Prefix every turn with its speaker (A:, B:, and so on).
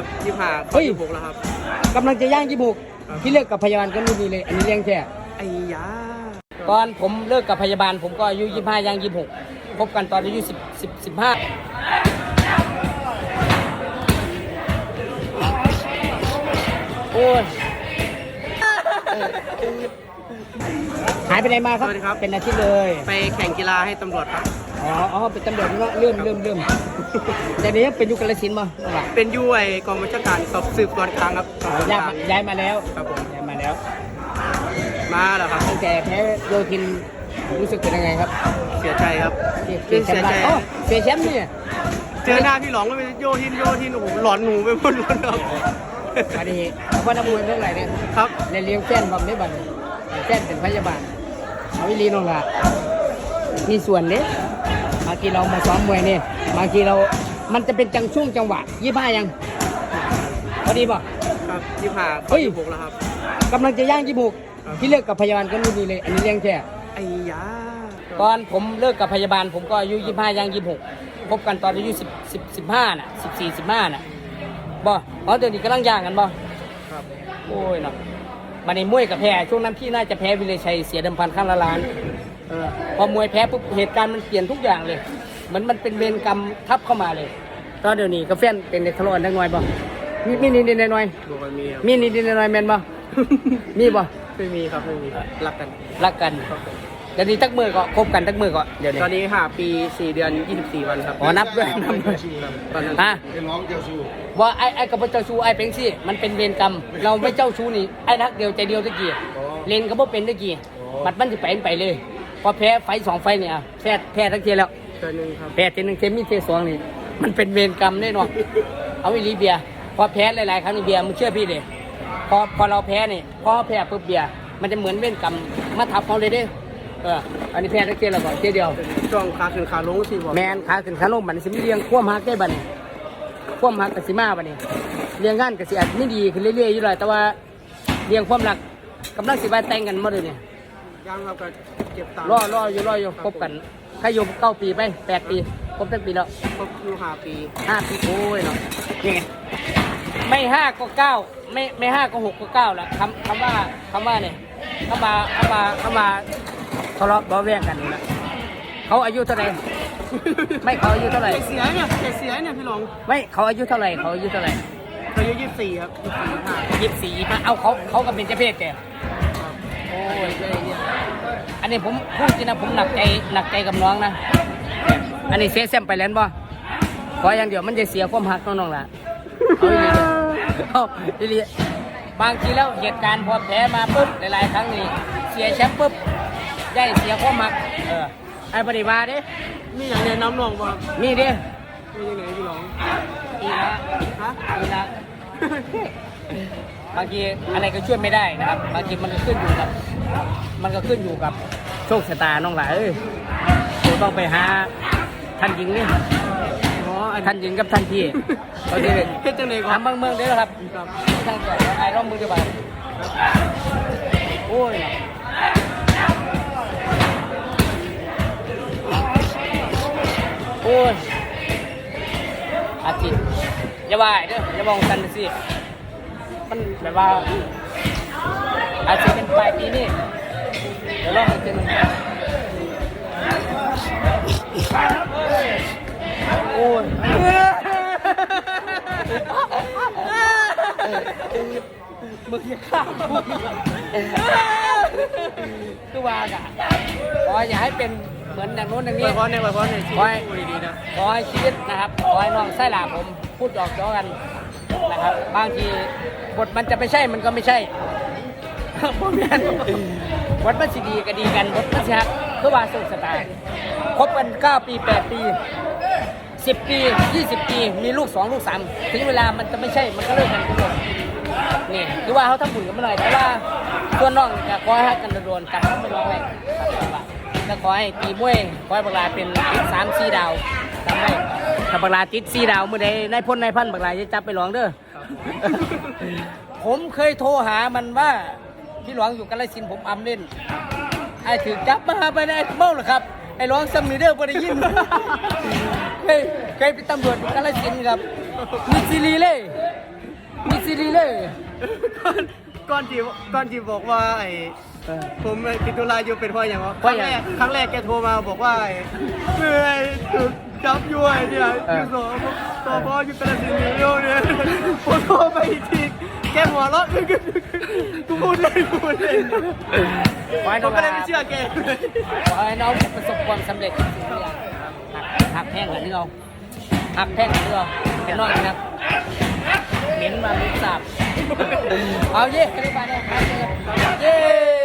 A: ครับ25เข้า26แล้วครับ
B: กำลังจะย่าง26ที่เลิกกับพยาบาลก็รุ่นนี้เลยอันนี้เลี้ยงแค่
A: ไอ้ยา
B: ตอนผมเลิกกับพยาบาลผมก็อายุ25ย่าง26พบกันตอนอายุ15โอ้ยหายไปไหนมาครับเป็นอาทิตย์เลย
A: ไปแข่งกีฬาให้ตำรวจครับ
B: อ๋อเป็นตำรวจเนาะเริ่มแต่นี้เป็นยุคกาฬสินธุ์มั้ง
A: เป็นยุ้ยกองบัญชาการสอบสืบสวนกลางครับ
B: ย้ายมาแล้ว
A: ครับผม
B: ย้ายมาแล้ว
A: มาแล้วครับ
B: ตั้งแต่แพ้โยธินรู้สึกเป็นยังไงครับ
A: เสียใจครับ
B: เสียใจเสียแชมป์เนี่ย
A: เจอหน้าพี่หลองก็เป็นโยทินโอ้โหหลอนหนูไปหมดเลยครับ
B: อันนี้ว่านักมวยเรื่องอะไรเนี่ย
A: ครับ
B: เลี้ยงแฟนบอมได้บัตรแฟนเป็นพยาบาลเอาวิลีน้องละมีส่วนเนี้ยบางทีเรามาซ้อมมวยเนี่ยบางทีเรามันจะเป็นช่วงจังหวะ25ยังพอดีป่ะ
A: ครับ25เข้า26แล้วครับ
B: กำลังจะย่าง26ที่เลิกกับพยาบาลก็รุ่นนี้เลยอันนี้เลี้ยงแค่
A: ไอ้ยา
B: ตอนผมเลิกกับพยาบาลผมก็อายุ25ย่าง26พบกันตอนอายุ15น่ะ14 15น่ะบ่เดี๋ยวนี้กำลังย่างกันบ่
A: ครับ
B: โอ้ยเนาะมาในมวยกับแพ้ช่วงนั้นพี่น่าจะแพ้วิเลชัยเสียเดิมพันข้างละล้านพอมวยแพ้ปุ๊บเหตุการณ์มันเปลี่ยนทุกอย่างเลยเหมือนมันเป็นเวรกรรมทับเข้ามาเลยตอนเดี๋ยวนี้กับแฟนเป็นเด็กทะเลาะกันน้อยบ่มีนิดน้อยมีนิดน้อยแม่นบ่มีบ่
A: ไม่มีครับไม่มีรักกัน
B: เดี๋ยวนี้ตักมือก็คบกันตักมือก็เดี๋ยวนี้
A: ตอนนี้5 ปี4 เดือน24 วันครับ
B: นับด้วยฮะ
C: เป็นน้องเจ้าชู้
B: ว่าไอ้กับเจ้าชู้ไอ้เป็นสิมันเป็นเวรกรรมเราไม่เจ้าชู้นี่ไอ้รักเดียวใจเดียวตะกี้เลนก็บ่เป็นตะกี้มันสิไปเลยพอแพ้ไฟ2ไฟเนี่ยแพ้ทั้งเทียแล้วแพ้ทีนึงเทมีเท2นี่มันเป็นเวรกรรมแน่นอนเอาอีลีเบียพอแพ้หลายๆครั้งนี่เบียมึงเชื่อพี่ดิพอเราแพ้นี่พอแพ้ปุ๊บเบียมันจะเหมือนเวรกรรมมาทับเขาเลยเด้อันนี้แพ้ทั้งเทียแล้วก็เทียเดียว
A: ช่วงขาขึ้นขาลงสิบ่
B: แมนขาขึ้นขาลงมันสิมีเรียงคว่ำหักได้บัดนี้คว่ำหักกับสิมาบัดนี้เรียงงานกับสิอาจไม่ดีขึ้นเรื่อยๆอยู่เลยแต่ว่าเรียงความรักกำลังสิไปแต่งกันมาเลยเนี่ย
A: ยังครับก็เก็บตังค์
B: รออยู่คบกันใครอยู่9 ปีไป8 ปีคบตั้งปีแล้ว
A: คบอยู่5 ปี
B: โอ้ยเนาะนี่ไงไม่5ก็9ไม่5ก็6ก็9แล้วคำว่าเนี่ยเข้ามาทะเลาะเบาแวงกันนี่แหละเขาอายุเท่าไหร่ไม่เขาอายุเท่าไหร่
A: เสียเนี่ยพี่หลง
B: ไม่เขาอายุเท่าไหร่เขาอายุ
A: 24ครับ
B: 24เอาเขาก็เป็นเจ้าเพศแต่โอ้ยอันนี้ผมพูดจริงนะผมหนักใจกับน้องนะอันนี้เสียแซมไปแล้วบ่ขออย่างเดียวมันจะเสียความหักน้องๆล่ะเอาอีบางทีแล้วเหตุการณ์พอแพ้มาปุ๊บหลายๆครั้งนี่เสียแชมป์ปุ๊บได้เสียความหักไอ้ปฏิบัติ
A: มีอย่างแนะนำน้องบ่
B: มีดิ
A: มีอย่างไหนพี่หลง
B: อีละบางทีอะไรก็ช่วยไม่ได้นะครับบางทีมันก็ขึ้นอยู่กับโชคชะตาน้องหลายเราต้องไปหาท่านหญิงนี่ท่านหญิงกับท่านพี่
A: โอเคเฮ็ดจังได๋
B: ครับทำเมืองเด้อครับทางไอ้ร่องมือดีกว่าโอ้ยอาทิตย์อย่าว่าเด้ออย่ามองกันสิมันแบบว่าอาจจะเป็นปลายปีนี้เดี๋ยวลองอีกทีนึงโอ้ยมึงอย่าข้ามคือว่ากันขออย่าให้เป็นเหมือนอย่างโน้นอย่างนี้
A: ไว้พรในชีวิตดีๆนะ
B: ขอให้ชีวิตนะครับขอให้น้องไส้หลาผมพูดหยอกล้อกันนะครับบางทีบทมันจะไม่ใช่มันก็ไม่ใช่พวกนั้นบทมันสิดีก็ดีกันบทมันสิฮักคือว่าสุขสไตล์คบกัน9 ปี 8 ปี10 ปี20 ปีมีลูก2 ลูก 3ถึงเวลามันจะไม่ใช่มันก็เลิกกันทุกคนนี่คือว่าเขาทำบุญกันมาหน่อยแต่ว่าตัวน้องจะขอให้ฮักกันโดนกันไม่ร้องเลยแล้วขอให้ตีมวยขอให้บักลาเป็น3-4 ดาวทำได้ถ้าบักลาติด4 ดาวเมื่อใดนายพลนายพันบักลาจะจับไปหลวงเด้อผมเคยโทรหามันว่าพี่หลวงอยู่กาฬสินธุ์ผมอำเล่นไอ้ถือจับมาไปได้เมาหรอครับไอ้หลวงซัมมีเดอร์บ่ได้ยินเคยเป็นตำรวจอยู่กาฬสินธุ์ครับมีซีรีเลย
A: ก้อนจีบอกว่าไอ้ผมติดตุลาอยู่เป็นเพราะอย่างวะครั้งแรกแกโทรมาบอกว่าเมื่อยถูกจับยุ่ยเนี่ยอยู่สพอยู่กระสินธุ์เนี่ยผมโทรไปอีกทีแกหัวเราะกูพูดเลยผมก็เลยไม่เชื่อแก
B: ขอให้น้องประสบความสำเร็จหักแท่งกันนี่เราหักแท่งกันนี่เราเป็นน้องนะครับเหม็นมาลุ้นสาบเอาเย่ไปเลยไปเลยเย่